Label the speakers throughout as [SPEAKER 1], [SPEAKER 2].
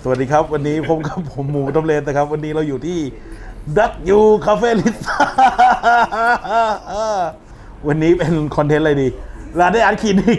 [SPEAKER 1] สวัสดีครับวันนี้ผมกับผมหมูต้มเลนนะครับวันนี้เราอยู่ที่ดักยูคาเฟ่ลิซ่าวันนี้เป็นคอนเทนต์อะไรดีร้านได้อาร์ตคลินิก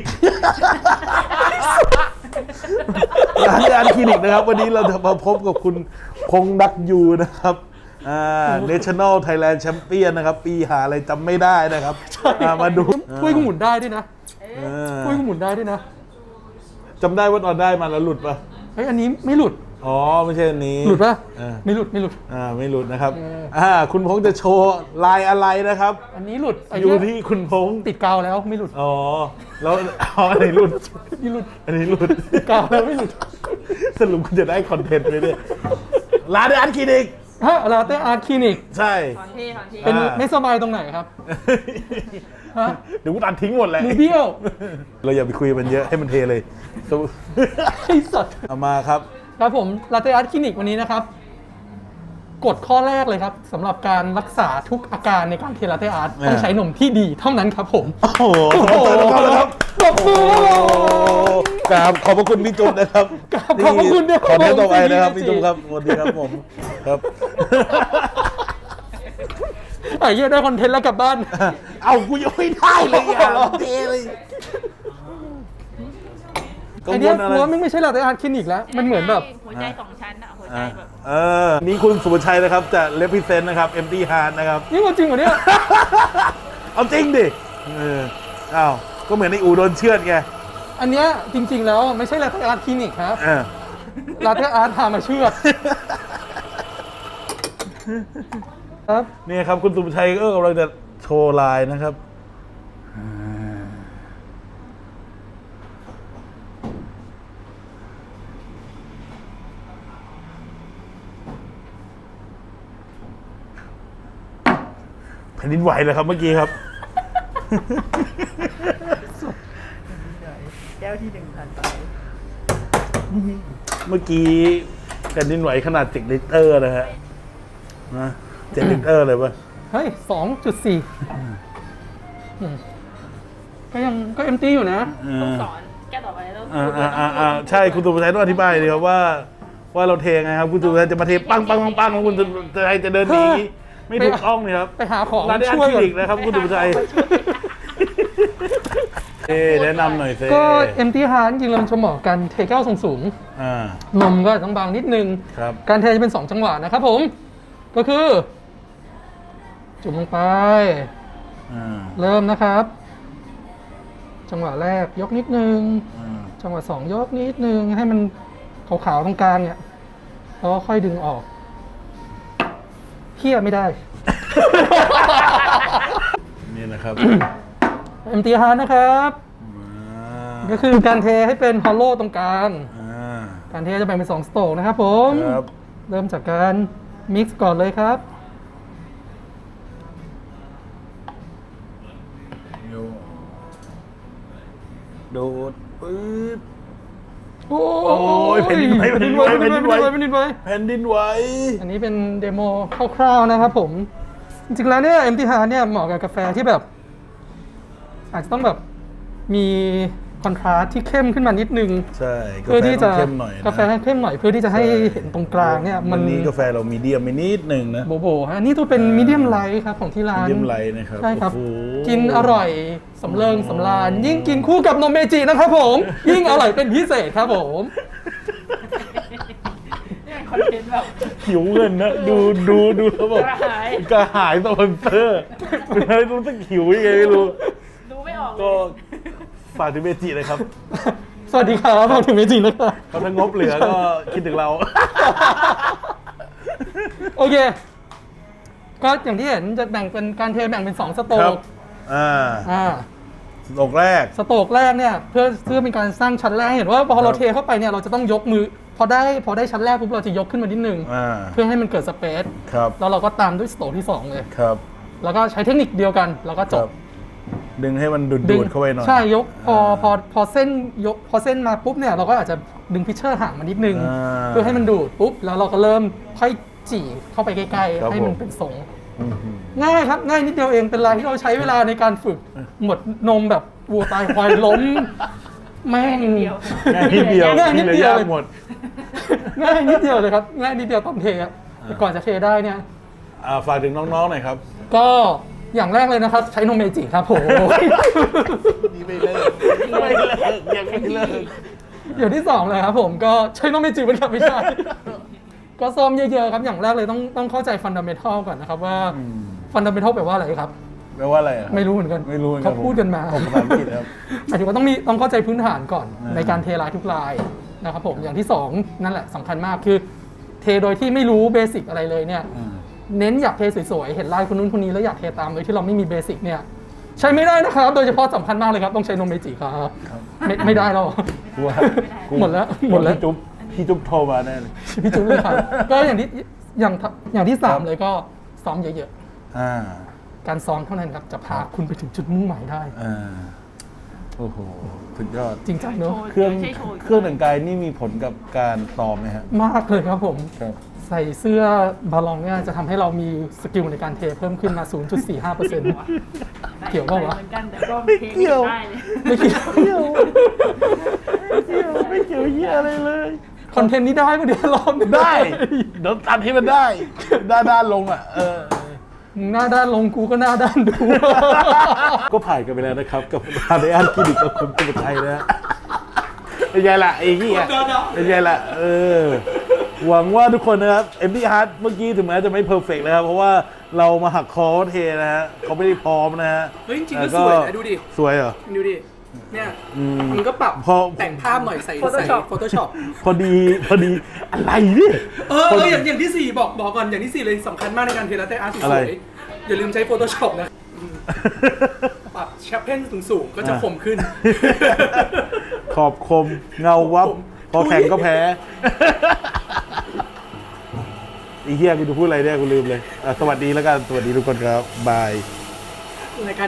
[SPEAKER 1] ร้านได้อาร์ตคลินิกนะครับวันนี้เราจะมาพบกับคุณพงษ์ดักยูนะครับNational Thailand Champion นะครับปีหาอะไรจำไม่ได้นะครับมาดู
[SPEAKER 2] ถ้วยก็หมุนได้ด้วยนะถ้วยก็หมุนได้ด้วยนะ
[SPEAKER 1] จำได้ว่าตอนได้มาแล้วหลุดปะ
[SPEAKER 2] เฮ้ยอันนี้ไม่หลุด
[SPEAKER 1] อ๋อไม่ใช่อันนี้
[SPEAKER 2] หลุดปะไม่หลุด
[SPEAKER 1] ไม่หลุดนะครับคุณพงษ์จะโชว์ลายอะไรนะครับ
[SPEAKER 2] อันนี้หลุด
[SPEAKER 1] อยู่ที่คุณพงษ์
[SPEAKER 2] ติดกาวแล้วไม่หลุด
[SPEAKER 1] อ๋อแล้วอันนี้หลุด
[SPEAKER 2] นี่หลุด
[SPEAKER 1] อันนี้หลุด
[SPEAKER 2] ติดกาวแล้วไม่หลุด
[SPEAKER 1] สรุปคุณจะได้คอนเทนต์ไหมเนี่ยร้านอาร์ตคลินิก
[SPEAKER 2] ลาเต้อาร์ตคลินิก
[SPEAKER 1] ใช่
[SPEAKER 2] เป็นไม่สบายตรงไหนครับ
[SPEAKER 1] เดี๋ยวกูตัดทิ้งหมดเลย
[SPEAKER 2] มือเบี้ยว
[SPEAKER 1] เราอย่าไปคุยมันเยอะให้มันเทเลย
[SPEAKER 2] ไอ้สัตว์
[SPEAKER 1] เอามาครับ
[SPEAKER 2] ผมลาเต้อาร์ตคลินิกวันนี้นะครับกฎข้อแรกเลยครับสำหรับการรักษาทุกอาการในการเทลาเต้อาร์ตต้องใช้นมที่ดีเท่านั้นครับผม
[SPEAKER 1] โอ้โหครับ
[SPEAKER 2] ปรบมื
[SPEAKER 1] อกราบขอบพระคุณพี่จุ๊บนะครับ
[SPEAKER 2] ขอบพระคุณเนี่ย
[SPEAKER 1] ขอเน้นต่อไปนะครับพี่จุ๊บครับสวัสดีครับผมครับ
[SPEAKER 2] ไอ้เหี้ยได้คอนเทนต์แล้วกลับบ้าน
[SPEAKER 1] เอากูยังไม่ได้เลยอ่ะเทเลย
[SPEAKER 2] ไอ้เนี่ยกลัวไม่ใช่ลาเต้อาร์ตคลินิกแล้วมันเหมือนแบบ
[SPEAKER 3] หัวใจสองชั้นอะหัวใจแบบ
[SPEAKER 1] นี่คุณสุภชัยนะครับจะเลพิเซนต์นะครับ Empty Heart นะครับ
[SPEAKER 2] นี่จริงเหรอเนี่ย
[SPEAKER 1] เอาจริงดิอ้าวก็เหมือนในอูโดนเชือดไง
[SPEAKER 2] อันเนี้ยจริงๆแล้วไม่ใช่ลาเต้อาร์ตคลินิกครับลาเต้อาร์ตพามาเชือดครับ
[SPEAKER 1] นี่ครับคุณสุภชัยก็กำลังจะโชว์ลายนะครับแผ่นดินไหวเลยครับเมื่อกี้ครับ
[SPEAKER 3] แก้วที่1,000ไป
[SPEAKER 1] เมื่อกี้แผ่นดินไหวขนาด7 ลิตรนะฮะนะ7 ลิตรเลยป่ะ
[SPEAKER 2] เฮ้ย 2.4 ก็เอ็มตี้อยู่นะ
[SPEAKER 3] ต้องสอนแก้ต่อไปต้อง
[SPEAKER 1] ใช่คุณสุภชัยต้องอธิบายดีครับว่าเราเทไงครับคุณสุภชัยจะมาเทปังแล้วคุณจะเดินหนีไม่ถูกต้องเลยครับ
[SPEAKER 2] ไปหาของ
[SPEAKER 1] ช่วยอีกนะครับคุณสุภชัยแนะนำหน่อยสิ
[SPEAKER 2] ก็เอ็มตี้ฮาร์ดจริงๆเราจะเหมาะกันเทแก้วสูงนมก็ต้องบางนิดนึงการเทจะเป็น2จังหวะนะครับผมก็คือจุ่มลงไปเริ่มนะครับจังหวะแรกยกนิดนึงจังหวะ2ยกนิดนึงให้มันขาวๆตรงกลางเนี่ยแล้วก็ค่อยดึงออกเคี่ยไม่ได้
[SPEAKER 1] นี่นะครับ
[SPEAKER 2] MT Hard นะครับก็คือการเทให้เป็นฮอลโลตรงกลางการเทจะแบ่งเป็น2สโตรกนะครับผมเริ่มจากการมิกซ์ก่อนเลยครับ
[SPEAKER 1] โดดปึ๊บ
[SPEAKER 2] โอ้
[SPEAKER 1] ยแผ่นดินไหว
[SPEAKER 2] แผ่นดินไหวอันนี้เป็นเดโมคร่าวๆนะครับผมจริงๆแล้วเนี่ย MT Hard เนี่ยเหมาะกับกาแฟที่แบบอาจจะต้องแบบมีคอนทราสต์ที่เข้มขึ้นมานิดนึง
[SPEAKER 1] ใช่
[SPEAKER 2] เพื่อที่จะกาแฟ
[SPEAKER 1] ให้
[SPEAKER 2] เข้มหน่อยเพื่อที่จะให้เห็นตรงกลางเนี่ย
[SPEAKER 1] มันนี้กาแฟเรามีเดียมไปนิดนึงนะ
[SPEAKER 2] โบฮะนี่ตัวเป็นมีเดียมไลท์ครับของที่ร้าน
[SPEAKER 1] มีเดียมไลท์นะครับ
[SPEAKER 2] ใช่ครับกินอร่อยสำเริงสำราญยิ่งกินคู่กับนมเมจินะครับผมยิ่งอร่อยเป็นพิเศษครับผม
[SPEAKER 3] คอนเทนต์แบบ
[SPEAKER 1] หิวเงินนะดูแล้วแบบกระหายสปอนเซอร์ไม่รู้สึกหิวยังไงไม่รู้
[SPEAKER 3] ดูไม่ออก
[SPEAKER 1] ก็ฝากถึงเมจิเลยครับ
[SPEAKER 2] สวัสดีครับฝากถึงเมจินะครับ
[SPEAKER 1] ถ้างบเหลือก็คิดถึงเรา
[SPEAKER 2] โอเคก็อย่างที่เห็นจะแบ่งเป็นการเทแบ่งเป็น2สโตรก
[SPEAKER 1] สโตรกแรก
[SPEAKER 2] เนี่ยเพื่อเป็นการสร้างชั้นแรกเห็นว่าพอเราเทเข้าไปเนี่ยเราจะต้องยกมือพอได้ชั้นแรกปุ๊บเราจะยกขึ้นมานิดนึงเพื่อให้มันเกิดสเปซแล้วเราก็ตามด้วยสโตรกที่2เลยแล้วก็ใช้เทคนิคเดียวกันแล้วก็จบ
[SPEAKER 1] ดึงให้มันดูดเข้าไปหน่อย
[SPEAKER 2] ใช่ยกพอเส้นมาปุ๊บเนี่ยเราก็อาจจะดึงพิชเชอร์ห่างมานิดนึงเพื่อให้มันดูดปุ๊บแล้วเราก็เริ่มค่อยจี่เข้าไปใกล้ๆให้มันเป็นทรงง่ายครับง่ายนิดเดียวเองเป็นลายที่เราใช้เวลาในการฝึกหมดนมแบบวัวตายควายล้มแม่ง
[SPEAKER 3] เดียว
[SPEAKER 1] ง่ายนิดเดียว
[SPEAKER 2] ง่ายนิ
[SPEAKER 1] ที่
[SPEAKER 2] ด
[SPEAKER 1] เหลื
[SPEAKER 2] เดียว
[SPEAKER 1] อยากหมด
[SPEAKER 2] ง่ายนิดเดียวเลยครับง่ายนิดเดียวตอนเทอะแต่ก่อนจะเทได้เนี่ย
[SPEAKER 1] ฝากถึงน้องๆหน่อยครับ
[SPEAKER 2] ก็อย่างแรกเลยนะครับ ใช้นมเมจิครับผม
[SPEAKER 1] นี่ไม่เลิกไม่เลิกยังไม่เลิก
[SPEAKER 2] อย่างที่สองเลยครับผมก็ใช้นมเมจิเป็นครับไม่ใช่ ก็ซ้อมเยอะๆครับอย่างแรกเลยต้องเข้าใจฟันดัมเมทัลก่อนนะครับว่าฟันดัมเมทัลแปลว่าอะไรครับ
[SPEAKER 1] แปลว่าอะไรอะ
[SPEAKER 2] ไม่รู้เหมือนกัน
[SPEAKER 1] ไม่รู้เหมือนกัน
[SPEAKER 2] เขาพูดกันมา
[SPEAKER 1] ผมภาษาอังกฤษครับ
[SPEAKER 2] หมายถึงว่าต้องเข้าใจพื้นฐานก่อน
[SPEAKER 1] อ่า
[SPEAKER 2] ในการเทลายทุกลายนะครับผมอย่างที่สองนั่นแหละสำคัญมากคือเทโดยที่ไม่รู้เบสิกอะไรเลยเนี่ย เน้นอยากเทสวยๆเห็นลายคนนู้นคนนี้แล้วอยากเทตามโดยที่เราไม่มีเบสิกเนี่ยใช้ไม่ได้นะครับโดยเฉพาะสำคัญมากเลยครับต้องใช้นมเมจิครับไม่ได้แล้ว
[SPEAKER 1] กูว่ากู
[SPEAKER 2] หมดแล้ว
[SPEAKER 1] พี่จุ๊บโทรมาแน่เลย
[SPEAKER 2] พี่จุ๊บเลยครับก็อย่างที่สามเลยก็ซ้อมเยอะ
[SPEAKER 1] อ่า
[SPEAKER 2] ๆการซ้อมเท่านั้นครับจะพาคุณไปถึงจุดมุ่งหมายได้
[SPEAKER 1] อ่าโอ้โหสุดยอด
[SPEAKER 2] จริงจังเนอะ
[SPEAKER 1] เครื่องแต่งกายนี่มีผลกับการซ้อมไหมฮะ
[SPEAKER 2] มากเลยครับผม
[SPEAKER 1] ครับ
[SPEAKER 2] ใส่เสื้อบาลองเนี่ยจะทำให้เรามีสกิลในการเทเพิ่มขึ้นมา 0.45% เกี่ยวเปล่าวะ
[SPEAKER 3] เหมือนกันแต่ก็เทไม่ได้เลย
[SPEAKER 2] ไม่เกี่ยว
[SPEAKER 1] ไม่เกี่ยวเหี้ยอะไรเลย
[SPEAKER 2] คอนเทนต์นี้ได้ปะเดี๋ยวรอบหนึ่ง
[SPEAKER 1] ได้เดี๋ยวตัดให้มันได้ด้านลงอ่ะ
[SPEAKER 2] มึงหน้าด้านลงกูก็หน้าด้านดู
[SPEAKER 1] ก็ผ่านกันไปแล้วนะครับ กับฮาร์ดแอนคลินิกกับคุณสุภชัยนะฮะเป็นไงล่ะไอ้เหี้ยเป็นไงล่ะหวังว่าทุกคนนะครับเอ็มดี้ฮาร์ดเมื่อกี้ถึงแม้จะไม่เพอร์เฟกต์นะครับเพราะว่าเรามาหักคอเทนะฮะเขาไม่ได้พร้อมนะฮะ
[SPEAKER 2] เฮ้ยจริงๆก็สวยนะดูดิ
[SPEAKER 1] สวยเหรอ
[SPEAKER 2] ดูดิ เนี่ยมันก็ปรับ
[SPEAKER 1] พอ
[SPEAKER 2] แต่งภาพหน่อยใส่ Photoshop
[SPEAKER 1] พอดีอะไรเนี่ย
[SPEAKER 2] อย่างที่ 4 บอกก่อนอย่างที่ 4 เลยสำคัญมากในการเทลาเต้อาร์ตส
[SPEAKER 1] อะไร
[SPEAKER 2] วยๆอย่าลืมใช้ Photoshop นะปรับแชปเพนสูงๆก็จะคมขึ้น
[SPEAKER 1] ขอบคมเงาวับ พอแข่งก็แพ้ไอ้เหี้ยกูจะพูดอะไรเนี่ยกูลืมเลยสวัสดีแล้วกันสวัสดีทุกคนครับบาย
[SPEAKER 2] ในการ